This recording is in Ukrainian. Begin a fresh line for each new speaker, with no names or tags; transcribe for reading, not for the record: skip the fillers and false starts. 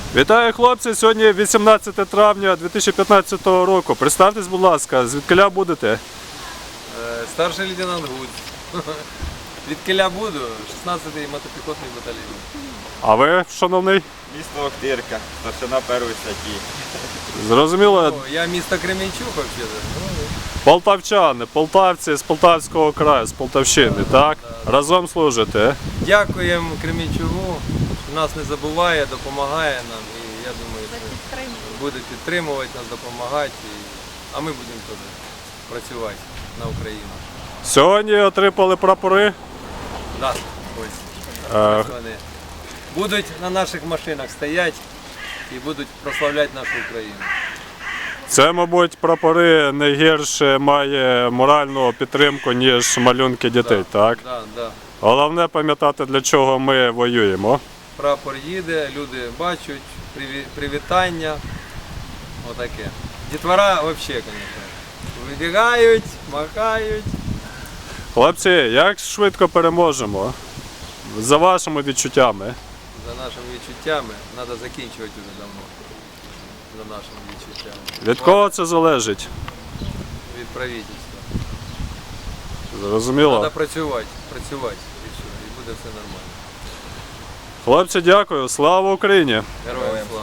Вітаю, хлопці! Сьогодні 18 травня 2015 року. Представтесь, будь ласка, звідкиля будете?
Старший лейтенант Гуд. Звідкиля буду, 16-й мотопіхотний батальйон.
А ви, шановний?
Місто Охтирка, старшина першої статті.
Зрозуміло,
Я місто Кременчук взагалі.
полтавчани, полтавці з Полтавського краю, з Полтавщини, так? Разом служите.
Дякуємо Кременчугу, що нас не забуває, допомагає нам. І я думаю, що буде підтримувати нас, допомагати. А ми будемо теж працювати на Україну.
Сьогодні отримали прапори.
Да, ось. Ось вони будуть на наших машинах стояти і будуть прославляти нашу Україну.
Це, мабуть, прапори не гірше має моральну підтримку, ніж малюнки дітей, так?
Да.
Головне пам'ятати, для чого ми воюємо.
Прапор їде, люди бачать, привітання. Отаке. Дітвора взагалі, звісно. Вибігають, махають.
Хлопці, як швидко переможемо? За вашими відчуттями.
За нашими відчуттями треба закінчувати вже давно. За нашими відчуттями.
Від кого це залежить?
Від правительства.
Зрозуміло.
Треба працювати і все, і буде все нормально.
Хлопці, дякую. Слава Україні!
Героям слава!